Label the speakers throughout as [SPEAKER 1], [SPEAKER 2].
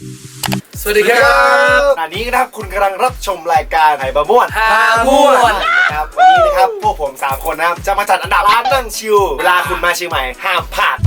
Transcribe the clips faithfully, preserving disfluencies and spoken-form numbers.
[SPEAKER 1] สวัสดีครับ
[SPEAKER 2] อันนี้นะครับคุณกำลังรับชมรายการไห่บะม่วน
[SPEAKER 1] ฮาม่วน
[SPEAKER 2] ครับวันนี้นะครับพวกผมสามคนนะครับจะมาจัดอันดับร้านนั่งชิลเวลาคุณมาเชียงใหม่ห้ามพลาด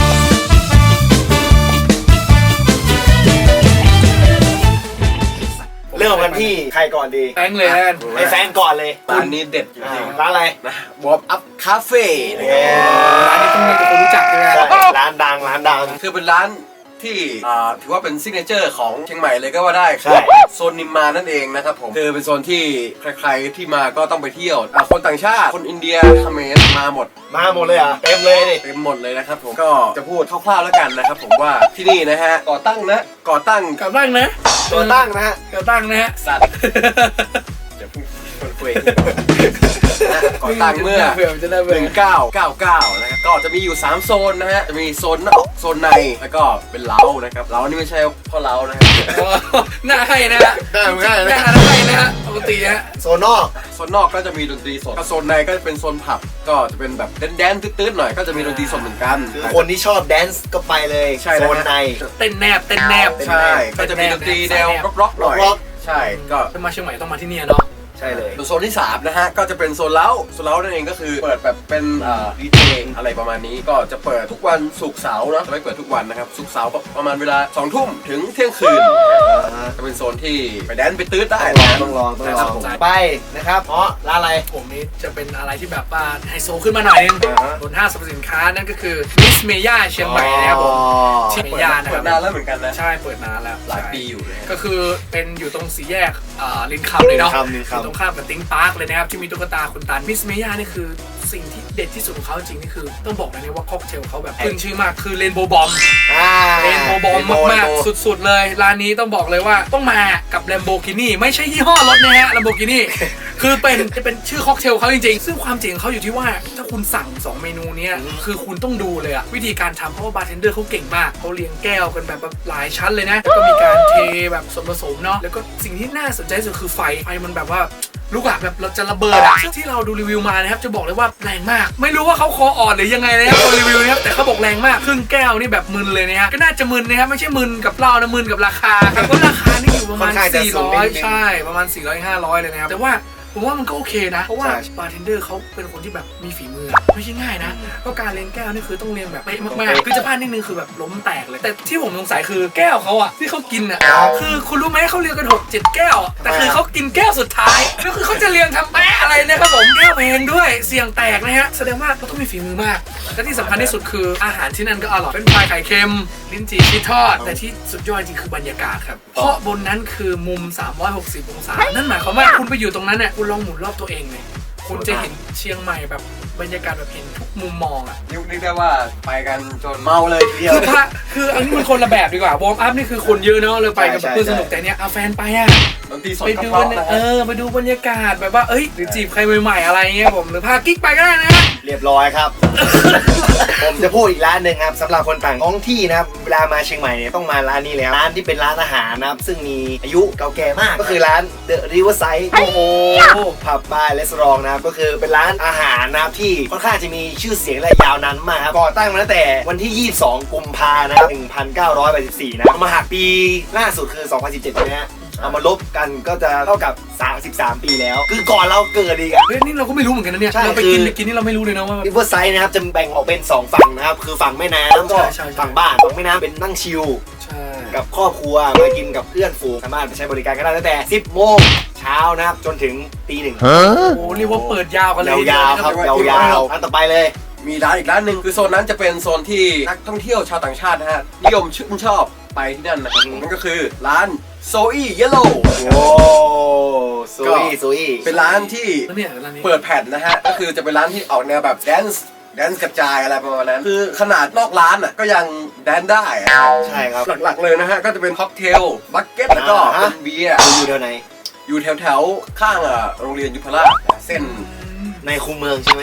[SPEAKER 2] เริ่มกันที่ใครก่อนดี
[SPEAKER 1] แฟงเลยนะ
[SPEAKER 2] ไอ้แฟนก่อนเลย
[SPEAKER 3] ร้านนี้เด็ดจริง
[SPEAKER 2] ร้านอะไร
[SPEAKER 3] ๆนะวอร์มอัพคาเฟ่
[SPEAKER 1] ร้านนี้ต้องมีคนรู้จักใช่ไหม
[SPEAKER 2] ร้านดังร้านดัง
[SPEAKER 3] คือเป็นร้านที่อ่าถือว่าเป็นซิกเนเจอร์ของเชียงใหม่เลยก็ว่าได้
[SPEAKER 2] ใช่
[SPEAKER 3] โซนนิมมานนั่นเองนะครับผมคือเป็นโซนที่ใครๆที่มาก็ต้องไปเที่ยวอ่ะคนต่างชาติคนอินเดียเขมรมาหมด
[SPEAKER 2] มาหมดเลยอ่ะเต็มเลยดิ
[SPEAKER 3] เต็มหมดเลยนะครับผมก็จะพูดคร่าวๆแล้วกันนะครับผมว่าที่นี่นะฮะก่อตั้งนะก่อตั้ง
[SPEAKER 1] กลับตั้งนะ
[SPEAKER 2] ตัวตั้งนะฮะ
[SPEAKER 1] กลับตั้งนะฮะ
[SPEAKER 3] สัตว์เดี๋ยวพูดคนคุยนะก่อตั้งเมื่อ
[SPEAKER 1] เผื่อมันจะได้
[SPEAKER 3] ห
[SPEAKER 1] เบื่อ
[SPEAKER 3] นึ่งเก้าเก้าเก้านะครับก็จะมีอยู่สามโซนนะฮะจะมีโซนนอกโซนในแล้วก็เป็นเล้านะครับเล้านี่ไม่ใช่พ่อเล้านะครับ
[SPEAKER 1] หน้าให้นะฮะ
[SPEAKER 2] ได้เหมือนกัน
[SPEAKER 1] หน้า
[SPEAKER 2] นะ
[SPEAKER 1] ให้นะฮะปกติฮะ
[SPEAKER 2] โซนนอก
[SPEAKER 3] โซนนอกก็จะมีดนตรีสดโซนในก็จะเป็นโซนผับก็จะเป็นแบบแดนๆตื้นๆหน่อยก็จะมีดนตรีสดเหมือนกัน
[SPEAKER 2] คือคนที่ชอบแดนซ์ก็ไปเลย
[SPEAKER 3] ใช่
[SPEAKER 2] โซ
[SPEAKER 3] แล้วฮะ
[SPEAKER 2] นใน
[SPEAKER 1] เต้นแนบเต้นแนบ
[SPEAKER 3] ใช่ก็จะมีดนตรีแนวร็อกๆหน่อย
[SPEAKER 2] ร็อก
[SPEAKER 3] ใช่ก็
[SPEAKER 1] ถ้ามาเชียงใหม่ต้องมาที่นี่เนาะ
[SPEAKER 2] ใช่เลย
[SPEAKER 3] โซนที่สามนะฮะก็จะเป็นโซนเล้าโซนเล้านั่นเองก็คือเปิดแบบเป็นดีเจอะไรประมาณนี้ก็จะเปิดทุกวันศุกร์เสาร์เนาะจะไม่เปิดทุกวันนะครับศุกร์เสาร์ประมาณเวลาสองทุ่มถึงเที่ยงคืนจะเป็นโซนที่ไปแดนไปตื้อได้นะ
[SPEAKER 2] ต้องลองต้องลองไปนะครับเพราะร้านอะไร
[SPEAKER 1] ผมนี้จะเป็นอะไรที่แบบว่าไฮโซขึ้นมาหน่อยนึง
[SPEAKER 2] อ่าฮะ
[SPEAKER 1] บนห้างสรรพสินค้านั่นก็คือมิสเมย่าเชียงใหม่นะครับผมที่เมย่านะค
[SPEAKER 3] เปิ
[SPEAKER 1] รั
[SPEAKER 3] ด
[SPEAKER 1] บ
[SPEAKER 3] นานแล้วเหมือนกันนะ
[SPEAKER 1] ใช่เปิดนานแล้ว
[SPEAKER 3] หลายปีอยู่เลย
[SPEAKER 1] ก็คือเป็นอยู่ตรงสี่แยกอ่าลินคำเลยเนาะ
[SPEAKER 2] ลินคำลินคำ
[SPEAKER 1] อยู่ตรงข้ามกับติ้งพาร์คเลยนะครับที่มีตุ๊กตาคุณตาลมิสเมย่านี่คือสิ่งที่เด็ดที่สุดของเขาจริงนี่คือต้องบอกเลยนะว่าค็อกเทลเขาแบบขึ้นชื่อมากคือเรนโบว์บอม
[SPEAKER 2] อ่า
[SPEAKER 1] เรนโบว์บอมมากๆสุดๆเลยร้านนี้ต้องบอกเลยว่าต้องมากับ Lamborghini ไม่ใช่ยี่ห้อรถนะฮะ Lamborghini คือเป็นจะเป็นชื่อค็อกเทลเขาจริงๆซึ่งความจริงเขาอยู่ที่ว่าถ้าคุณสั่งสองเมนูเนี้ยคือคุณต้องดูเลยอะวิธีการทำเพราะว่าบาร์เทนเดอร์เขาเก่งมากเขาเรียงแก้วกันแบบหลายชั้นเลยนะแล้วก็มีการเทแบบส่วนผสมเนาะแล้วก็สิ่งที่น่าสนใจสุดคือไฟไฟมันแบบว่าลูกอะแบบเราจะระเบิดอะที่เราดูรีวิวมานะครับจะบอกเลยว่าแรงมากไม่รู้ว่าเขาคออ่อนหรือยังไงนะครับตัวรีวิวนะครับแต่เขาบอกแรงมากครึ่งแก้วนี่แบบมึนเลยนะฮะก็น่าจะมึนนะครับไม่ใช่มึนกับเหล้านะมึนกับราคาครับก็ราคานี่อยู่ประมาณสี่ร้อยใช่ประมาณสี่ร้อย ห้าร้อยเลยนะครับแต่ว่าผมว่ามันก็โอเคนะเพราะว่าบาร์เทนเดอร์เขาเป็นคนที่แบบมีฝีมือไม่ใช่ง่ายนะเพราะการเลี้ยงแก้วนี่คือต้องเลี้ยงแบบเป๊ะมากๆคือจะพลาดนิดนึงคือแบบล้มแตกเลยแต่ที่ผมสงสัยคือแก้วเขาอะที่เขากินอะคือคุณรู้ไหมเขาเลี้ยงกันหกเจ็ดแก้วแต่คือเขากินแก้วสุดท้ายก็คือเขาจะเลี้ยงทำแป๊ะอะไรนะครับผมแก้วแพงด้วยเสี่ยงแตกนะฮะแสดงว่าเขาต้องมีฝีมือมากและที่สำคัญที่สุดคืออาหารที่นั่นก็อร่อยเป็นพายไข่เค็มลิ้นจี่ชีสทอดแต่ที่สุดยอดจริงคือบรรยากาศครับเพราะบนนั้นคือมุมสามร้อยหกสิบองศานั่นหมายความว่าคุณไปอยู่ตรงนั้นเนี่ยคุณลองหมุนรอบตัวเองเลยคุณจะเห็นเชียงใหม่แบบบรรยากาศแบบเห็นทุกมุมมองอ่ะ
[SPEAKER 3] ยุคนี้ได้ว่าไปกันจนเมาเลยทีเดียว
[SPEAKER 1] คือพระคืออันนี้มันคนละแบบดีกว่าวอร์มอัพนี่คือคนเยอะเนาะเลยไปกับเพื่อนสนุกแต่เนี้ยเอาแฟนไปอ่ะ
[SPEAKER 3] ดนตรีสด
[SPEAKER 1] ไป
[SPEAKER 3] ก็
[SPEAKER 1] ดู
[SPEAKER 3] เพราะ
[SPEAKER 1] บรรยา
[SPEAKER 3] นะ
[SPEAKER 1] เอ
[SPEAKER 3] ฮะ
[SPEAKER 1] อไปดูบรรยากาศแบบว่าเอ้ยหรือจีบใครใหม่ๆอะไรเงี้ยผมหรือพากิ๊กไปก็ได้นะ
[SPEAKER 2] เรียบร้อยครับ ผมจะพูดอีกร้านหนึ่งครับสำหรับคนต่างท้องที่นะครับเวลามาเชียงใหม่เนี่ยต้องมาร้านนี้แล้วร้านที่เป็นร้านอาหารนะครับซึ่งมีอายุเก่าแก่มากก็คือร้าน The Riverside โอ้โหผับบาร์และสตรองนะครับก็คือเป็นร้านอาหารนะครับที่ค่อนข้างจะมีชื่อเสียงและยาวนานมากครับก่อตั้งมาตั้งแต่วันที่ยี่สิบสองกุมภาพันธ์นะครับหนึ่งพันเก้าร้อยแปดสิบสี่นะเอามาหักปีล่าสุดคือสองพันสิบเจ็ดนะฮะเอามาลบกันก็จะเท่ากับสามสิบสามปีแล้วคือก่อนเราเกิดอีกอะ
[SPEAKER 1] เฮ้ยนี่เราก็ไม่รู้เหมือนกันนะเนี่ย
[SPEAKER 2] ใช่
[SPEAKER 1] เราไปกิน
[SPEAKER 2] คือ
[SPEAKER 1] ไปกินนี่เราไม่รู้เลยนะว่า
[SPEAKER 2] ริเวอร์ไซด์นะครับจะแบ่งออกเป็นสองฝั่งนะครับคือฝั่งแม่น้ำก็
[SPEAKER 1] ใช่ใช่
[SPEAKER 2] ฝั่งบ้านฝั่งแม่น้ำเป็นนั่งชิล
[SPEAKER 1] ใช่
[SPEAKER 2] กับครอบครัวมากินกับเพื่อนฝูงสามารถไปใช้บริการกันได้ตั้งแต่สิบโมงเช้านะครับจนถึงตีหนึ่ง
[SPEAKER 1] โอ้โหเรียกว่าเปิดยาวกันเลย
[SPEAKER 2] ยาวๆครับยาวๆร้านต่อไปเลย
[SPEAKER 3] มีร้านอีกร้านหนึ่งคือโซนนั้นจะเป็นโซนที่นักท่องเที่ยวชาวต่างชาตินะฮะนิยมชื่นชอบไปที่นั่นนะครับนั่นก็คือร้านโซอี้เยลโล่
[SPEAKER 2] โอ้ซุยซุย
[SPEAKER 3] เป็นร้านที่
[SPEAKER 1] แล้วเนี่ยร้านนี้
[SPEAKER 3] เปิดแผ่นนะฮะก็คือจะเป็นร้านที่ออกแนวแบบแดนซ์แดนซ์กระจายอะไรประมาณนั้นคือขนาดนอกร้านอ่ะก็ยังแดนได้อะ
[SPEAKER 2] ใช่ครับ
[SPEAKER 3] หลักๆเลยนะฮะก็จะเป็นค็อกเทลบัคเก็ตแล้วก็เป็นเบียร์
[SPEAKER 2] อยู่แถวไหน
[SPEAKER 3] อยู่แถวๆข้างอ่ะโรงเรียนยุพราชนะเส้น
[SPEAKER 2] ในคูเมืองใช่ไหม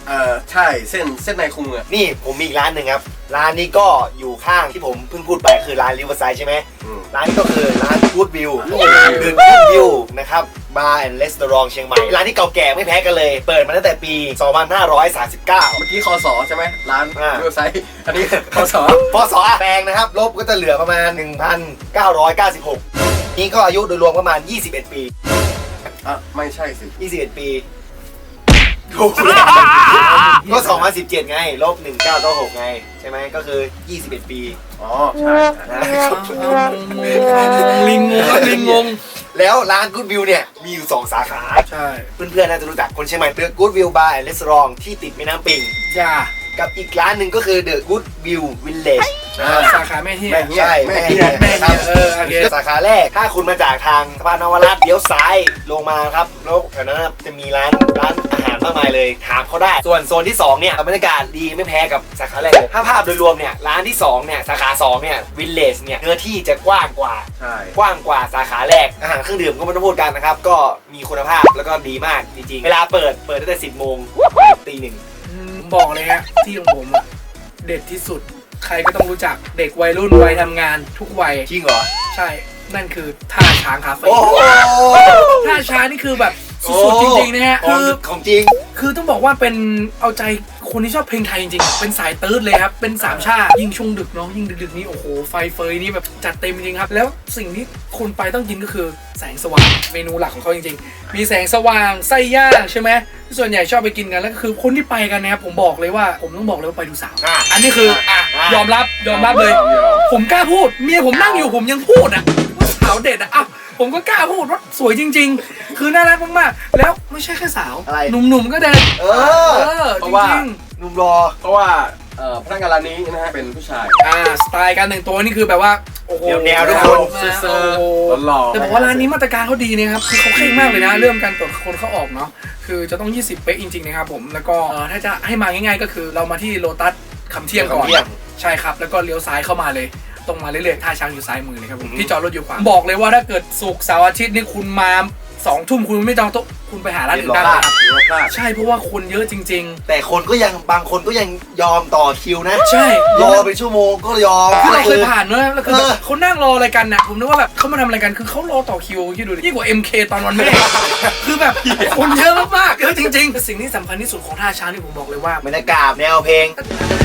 [SPEAKER 3] เออใช่เส้นเส้นในคุงอะ
[SPEAKER 2] นี่ผมมีอีกร้านหนึ่งครับร้านนี้ก็อยู่ข้างที่ผมเพิ่งพูดไปคือร้านริเวอร์ไซด์ใช่ไหม
[SPEAKER 3] อืม
[SPEAKER 2] ร้านนี้ก็คือร้าน Good View หรือ Good View นะครับบาร์แอนด์รีสอร์ทเชียงใหม่ร้านที่เก่าแก่ไม่แพ้กันเลย เปิดมาตั้งแต่ปี สองพันห้าร้อยสามสิบเก้า
[SPEAKER 3] เมื่อกี้คอสอใช่ไหมร้าน
[SPEAKER 2] อ่า
[SPEAKER 3] เว็บไซต์อันนี้คอสอ
[SPEAKER 2] พศแปลงนะครับลบก็จะเหลือประมาณ หนึ่งพันเก้าร้อยเก้าสิบหก นี่ก็อายุโดยรวมประมาณ ยี่สิบเอ็ด ปี
[SPEAKER 3] อ่ะไม่ใช่สิ
[SPEAKER 2] ยี่สิบเอ็ด ปีถูกก็ สองพันสิบเจ็ด ไง ลบ หนึ่งพันเก้าร้อยเก้าสิบหก ไง ใช่ไหมก็คือ ยี่สิบเอ็ด ปี
[SPEAKER 3] อ๋อใช่
[SPEAKER 2] นะครับ
[SPEAKER 1] ลิงงงครับลิงงง
[SPEAKER 2] แล้วร้าน Good View เนี่ยมีอยู่ สอง สาขา
[SPEAKER 1] ใช่
[SPEAKER 2] เพื่อนๆน่าจะรู้จักคนเชียงใหม่ The Good View Bar and Restaurant ที่ติดแม่น้ำปิง
[SPEAKER 1] อย่า
[SPEAKER 2] กับอีกร้านหนึ่งก็คือ The Good View Village
[SPEAKER 1] อ่าสาขาแม่เฮีย
[SPEAKER 3] แม่เฮีย
[SPEAKER 2] ใช่
[SPEAKER 3] แม่
[SPEAKER 2] แม่
[SPEAKER 3] เฮี
[SPEAKER 2] เฮี
[SPEAKER 3] ย
[SPEAKER 2] ย
[SPEAKER 1] แม่เฮีย
[SPEAKER 2] ครับ
[SPEAKER 1] เออโอเค
[SPEAKER 2] สาขาแรกถ้าคุณมาจากทางสะพานนวรัตน์เลี้ยวซ้ายลงมาครับแล้วแถวนั้นนะจะมีร้านร้านอาหารมากมายเลยถามเขาได้ ส่วนโซนที่สองเนี่ยบรรยากาศดีไม่แพ้กับสาขาแรกเลยถ้าภาพโดยรวมเนี่ยร้านที่สองเนี่ยสาขาสองเนี่ยวิลเลจเนี่ยเนื้อที่จะกว้างกว่า
[SPEAKER 3] ใช่
[SPEAKER 2] กว้างกว่าสาขาแรกอาหารเครื่องดื่มก็ไม่ต้องพูดกันนะครับก็มีคุณภาพแล้วก็ดีมากจริงๆเวลาเปิดเปิดตั้งแต่สิบโมงตีหนึ่ง
[SPEAKER 1] อืมผมบอกเลยฮะที่ของผมอะเด็ดที่สุด ใครก็ต้องรู้จักเด็กวัยรุ่นวัยทำงานทุกวัย
[SPEAKER 2] จริงเหรอ
[SPEAKER 1] ใช่ นั่นคือท่าช้างคาเฟ่
[SPEAKER 2] โอ้โห
[SPEAKER 1] ท่าช้างนี่คือแบบสุดๆจริงๆนะฮะ
[SPEAKER 2] ขอ
[SPEAKER 1] คื
[SPEAKER 2] ง
[SPEAKER 1] อ
[SPEAKER 2] ของจริง
[SPEAKER 1] คือต้องบอกว่าเป็นเอาใจคนที่ชอบเพลงไทยจริงๆ เป็นสายตื๊ดเลยครับ เป็นสามชาติยิ่งช่วงดึกเนาะ ยิ่งดึกๆนี้โอ้โห ไฟเฟยนี่แบบจัดเต็มจริงๆครับ แล้วสิ่งที่คนไปต้องกินก็คือแสงสว่าง เมนูหลักของเขาจริงๆ มีแสงสว่างไส้ย่างใช่ไหมที่ส่วนใหญ่ชอบไปกินกัน แล้วก็คือคนที่ไปกันนะครับผมบอกเลยว่าผมต้องบอกเลยว่าไปดูสาว
[SPEAKER 2] อ่ะ
[SPEAKER 1] อันนี้คืออ่ะ
[SPEAKER 2] อ่ะ
[SPEAKER 1] ยอมรับยอมรับเลย ผมกล้าพูด เมียผมนั่งอยู่ผมยังพูดอ่ะว่าสาวเด็ดอ่ะอ้าวผมก็กล้าพูดว่าสวยจริง ๆ คือน่ารักมากๆ แล้วไม่ใช่แค่สาว
[SPEAKER 2] อะไร
[SPEAKER 1] หนุ่มๆก็เด็ด
[SPEAKER 2] เออ
[SPEAKER 1] เออ
[SPEAKER 3] เพ
[SPEAKER 1] จ
[SPEAKER 3] ราะว่า
[SPEAKER 1] ริง
[SPEAKER 2] หนุ่มรอ
[SPEAKER 3] เพราะว่าเอ่อพนักงานร้านนี้นะฮะเป็นผู้ชาย
[SPEAKER 1] ๆอ่าสไตล์การแต่งตัวนี่คือแบบว่าโอ้โห
[SPEAKER 2] แนวๆทุกคน
[SPEAKER 1] มา
[SPEAKER 3] เซอร์
[SPEAKER 1] โอ้โห
[SPEAKER 3] หล่อๆ
[SPEAKER 1] แต่บอกว่าร้านนี้มาตรการเขาดีนะครับคือเขาเคร่งมากเลยนะเรื่องการตรวจคนเข้าออกเนาะคือจะต้องยี่สิบเป๊ะจริงๆนะครับผมแล้วก็เอ่อถ้าจะให้มาง่ายๆก็คือเรามาที่โลตัสคำเที่ยงก่อน
[SPEAKER 2] คำเที่ยง
[SPEAKER 1] ใช่ครับแล้วก็เลี้ยวซ้ายเข้ามาเลยตรงมาเรื่อยๆท่าช้างอยู่ซ้ายมือเลยครับผม
[SPEAKER 2] อืม
[SPEAKER 1] ที่จอดรถอยู่ขวาบอกเลยว่าถ้าเกิดศุกร์เสาร์อาทิตย์นี่คุณมาสองทุ่มคุณไม่จองโต๊ะคุณไปหาร้านอื่นได้เลยครับ
[SPEAKER 3] ถือว่าพลาด
[SPEAKER 1] ใช่เพราะว่าคนเยอะจริง
[SPEAKER 2] แต่คนก็ยังบางคนก็ยังยอมต่อคิวนะ
[SPEAKER 1] ๆ ใช่
[SPEAKER 2] รอเป็นชั่วโมงก็ยอม
[SPEAKER 1] คือเราเคยผ่านเนอะแล้วคือแบบ
[SPEAKER 2] เออ
[SPEAKER 1] เขานั่งรออะไรกันน่ะผมนึกว่าแบบเขามาทำอะไรกันคือเขารอต่อคิวคิดดูดิยิ่งกว่า เอ็ม เค ตอนวันแม่ คือแบบคนเยอะมากๆเยอะจริงๆสิ่งที่สำคัญที่สุดของท่าช้างที่ผมบอกเลยว่า
[SPEAKER 2] บรรยากาศแนวเพลง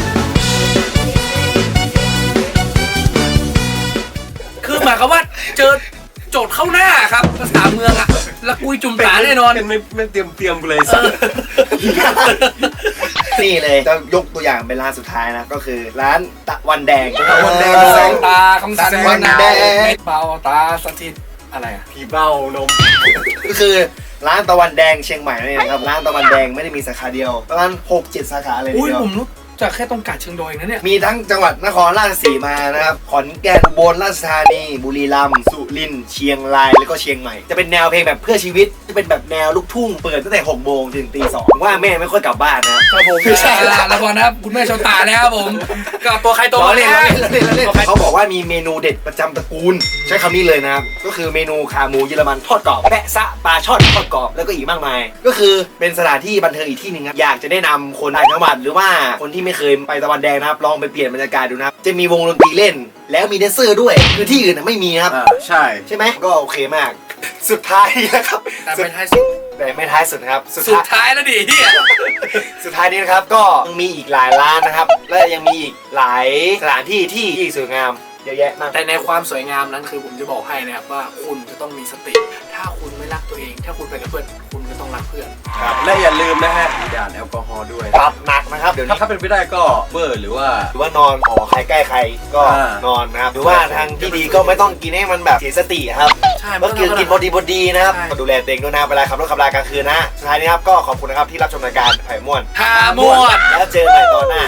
[SPEAKER 1] คือหมายความว่าเจอโจทย์เข้าหน้าครับภาษาเมืองอะละกุยจุ่มตาแน่นอน
[SPEAKER 3] เป็นไม่ไม่เตรียมเตรียมเลยสิ
[SPEAKER 2] นี่เลยจะยกตัวอย่างเป็นร้านสุดท้ายนะ ก็คือร้านตะวันแดงตะวันแดง
[SPEAKER 1] แส
[SPEAKER 2] แส
[SPEAKER 1] ง
[SPEAKER 2] ง
[SPEAKER 1] ตาของแสง
[SPEAKER 2] วันแดง
[SPEAKER 1] เบาตาสถิตอะไรอะ
[SPEAKER 3] ผีเบ้านม
[SPEAKER 2] ก็คือร้านตะวันแดงเชียงใหม่นั่นเองครับร้านตะวันแดงไม่ได้มีสาขาเดียวประมาณหกเจ็ดสาขาเลยที
[SPEAKER 1] อุ้ย
[SPEAKER 2] เดียว
[SPEAKER 1] ผมรู้จักแค่ตรงกาดเชิงดอยนะเนี่ย
[SPEAKER 2] มีทั้งจังหวัดนครราชสีมานะครับขอนแก่นอุบลราชธานีบุรีรัมย์สุรินทร์เชียงรายแล้วก็เชียงใหม่จะเป็นแนวเพลงแบบเพื่อชีวิตจะเป็นแบบแนวลูกทุ่งเปิดตั้งแต่หกโมงถึงตีสองว่าแม่ไม่ค่อยกลับบ้านนะครับ
[SPEAKER 1] ผมไม่ใช่ละแล้วก่อนนะครับคุณแม่ชาวตาแล้วครับผมก็ตัวใครตัว
[SPEAKER 2] ล้อ
[SPEAKER 1] มัน
[SPEAKER 2] เล่น
[SPEAKER 1] นะ
[SPEAKER 2] ล้อเล่นล้อเล่นล้อเล่นเขาบอกว่ามีเมนูเด็ดประจำตระกูล ใช้คำนี้เลยนะครับก็คือเมนูขาหมูเยอรมันทอดกรอบแปะซะปลาช่อนทอดกรอบแล้วก็อีกมากมาย ก็คือเป็นสถานที่บันเทิงอีกที่หนึ่งครับอยากจะแนะนำคนต่างจังหวัดหรือว่าคนที่ไม่เคยไปตะวันแดงนะครับลองไปเปลี่ยนบรรยากาศดูนะครับจะมีวงดนตรีเล่น แล้วมีแดนเซอร์ด้วยคือที่อื่นนะไม่มีนะครับ
[SPEAKER 3] อ่าใช่
[SPEAKER 2] ใช่ไหมก็โอเคมาก สุดท้ายนะครับ
[SPEAKER 1] แต่ไม่ท้ายสุด
[SPEAKER 2] แต่ไม่ท้ายสุดนะครับสุด
[SPEAKER 1] สุด
[SPEAKER 2] ท้าย
[SPEAKER 1] ท้ายแล้วดิเฮีย
[SPEAKER 2] สุดท้ายนี้นะครับก็ยังมีอีกหลายร้านนะครับ และยังมีอีกหลายสถานที่ที่ที่สวยงามเยอะแยะมาก
[SPEAKER 1] แต่ในความสวยงามนั้นคือผมจะบอกให้นะครับว่าคุณจะต้องมีสติ ถ้าคุณไม่รักตัวเอง ถ้าคุณไปกับเพื่อนคุณก็ต้องรักเพื่อน
[SPEAKER 3] ครับและอย่าลืมนะฮะด่านแอลกอฮอล์ด้วย
[SPEAKER 2] ปรับหนักนะครับเดี๋ยว
[SPEAKER 3] ถ้า
[SPEAKER 2] นี้
[SPEAKER 3] ถ้าเป็นไปได้ก็เบอร์หรือว่า
[SPEAKER 2] หรือว่านอนหอใครใกล้ใครก็
[SPEAKER 3] อ่าน
[SPEAKER 2] อนนะครับหรือว่าทางที่ดีก็ไม่ต้องกินให้มันแบบเสียสติครับ
[SPEAKER 1] ใช่
[SPEAKER 2] ก็คือกินพอดีพอดีนะครับ
[SPEAKER 1] ใช่
[SPEAKER 2] ก็ดูแลตัวเองด้วยนะเวลาขับรถขับรากลางคืนนะสุดท้ายนี้ครับก็ขอบคุณนะครับที่รับชมรายการไผ่ม่วน
[SPEAKER 1] หาหมวด
[SPEAKER 2] แล้วเจอกันใหม่ตอนหน้า